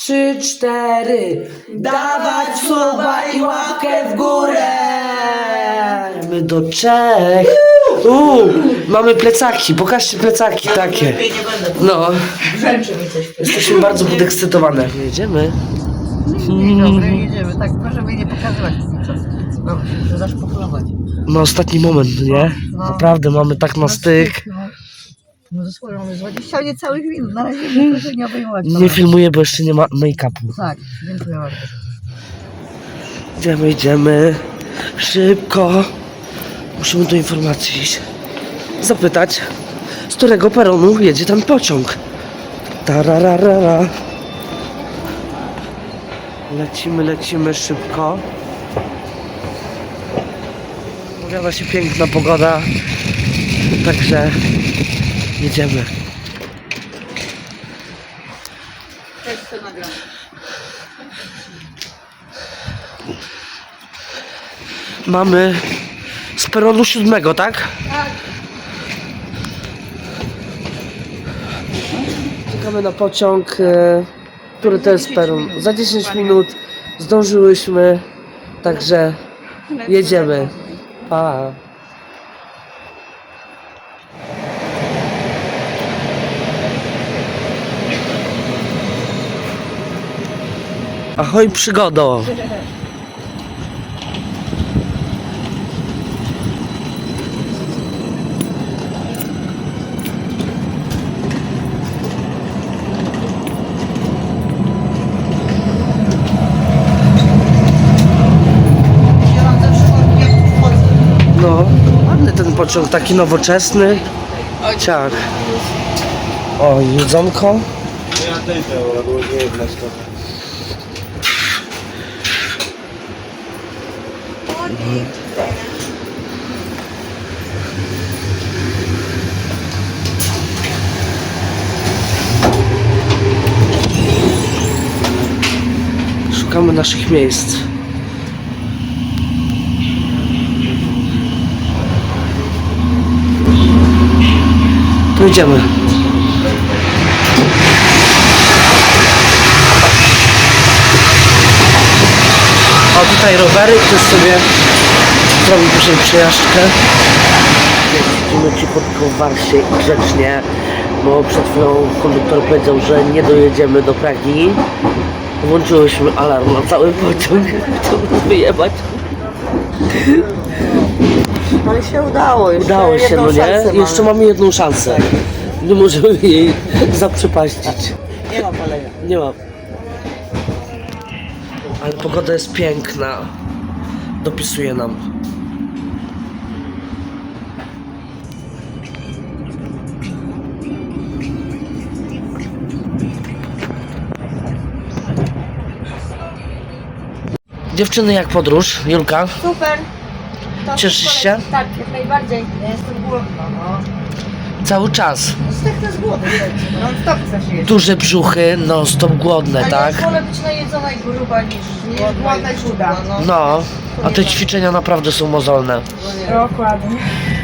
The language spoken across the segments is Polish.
3, 4. Dawać słowa i łapkę w górę. My do Czech. Mamy plecaki, pokażcie plecaki takie. No. Jesteśmy bardzo podekscytowane. Jedziemy. Dzień dobry, jedziemy. Tak, możemy nie pokazywać. No, muszę zaszpachlować. No ostatni moment, nie? Naprawdę mamy tak na styk. No dosłownie mamy z 20 niecałych minut. Na razie proszę nie obejmować. Nie filmuję, bo jeszcze nie ma make-upu. Tak, dziękuję bardzo. Idziemy. Szybko. Musimy do informacji iść. Zapytać, z którego peronu jedzie ten pociąg. Tararara. Lecimy szybko. Pojawiła się piękna pogoda. Także jedziemy. Mamy z peronu 7, tak? Tak. Czekamy na pociąg, który to jest peron. Za 10 minut zdążyłyśmy, także jedziemy. Pa. Ahoj przygodo! Ja mam zawsze jak wchodzę. No, ładny ten pociąg, taki nowoczesny. Ciach. O, jedzonko. Ja też to było nie jedna Szukamy naszych miejsc. To idziemy. O, tutaj rowery, ktoś sobie zrobił później przejażdżkę. Jeździmy cichutko w Warsie i grzecznie, bo przed chwilą konduktor powiedział, że nie dojedziemy do Pragi. Włączyłyśmy alarm na cały pociąg, chciałbym wyjebać. Ale się udało. Udało się, no nie? Jeszcze mamy jedną szansę. Nie możemy jej zaprzepaścić. Nie ma palenia. Nie ma. Ale pogoda jest piękna. Dopisuje nam. Dziewczyny, jak podróż? Julka? Super. To Cieszysz super. się? Tak, jak najbardziej. Ja jestem głodna, no. Cały czas. Zdechnę z głodu, no stop chcesz jeść. Duże brzuchy, non stop głodne, tak? Ja wolę być najedzona i gruba niż głodna i chuda. No, a te ćwiczenia naprawdę są mozolne. Dokładnie.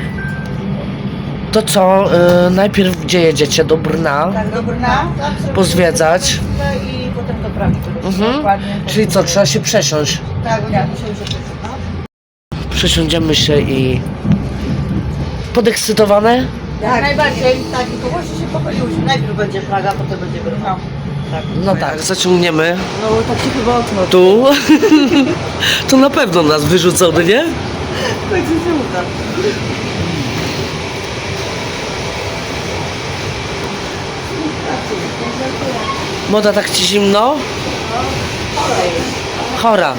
To co, najpierw gdzie jedziecie? Do Brna? Tak, do Brna. Pozwiedzać. I potem do Pragi. Dokładnie. Czyli co, trzeba się przesiąść. Tak, będziemy musieli się Przesiądziemy się i... Podekscytowane? Jak najbardziej. Tak, tylko właśnie się pochwaliłyśmy. Najpierw będzie Praga, potem będzie Brno. Tak. No tak, zaciągniemy. No tak się chyba okno. Tu. To na pewno nas wyrzucą, no nie? Tak się uda. Moda, tak ci zimno? Chora.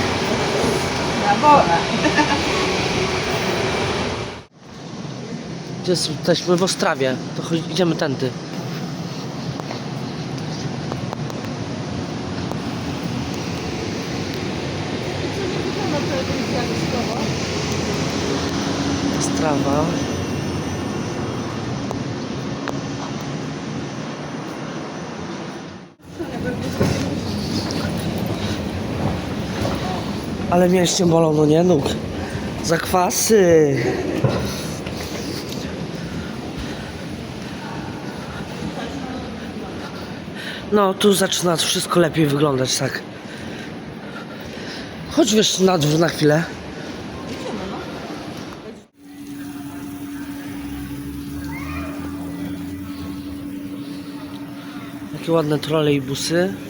Gdzie jesteśmy? W Ostrawie. To idziemy tędy. Ostrawa. Ale mięśnie bolą, no nie? Nóg. Zakwasy. No, tu zaczyna wszystko lepiej wyglądać, tak. Chodź wiesz na dwór na chwilę. Jakie ładne trolejbusy.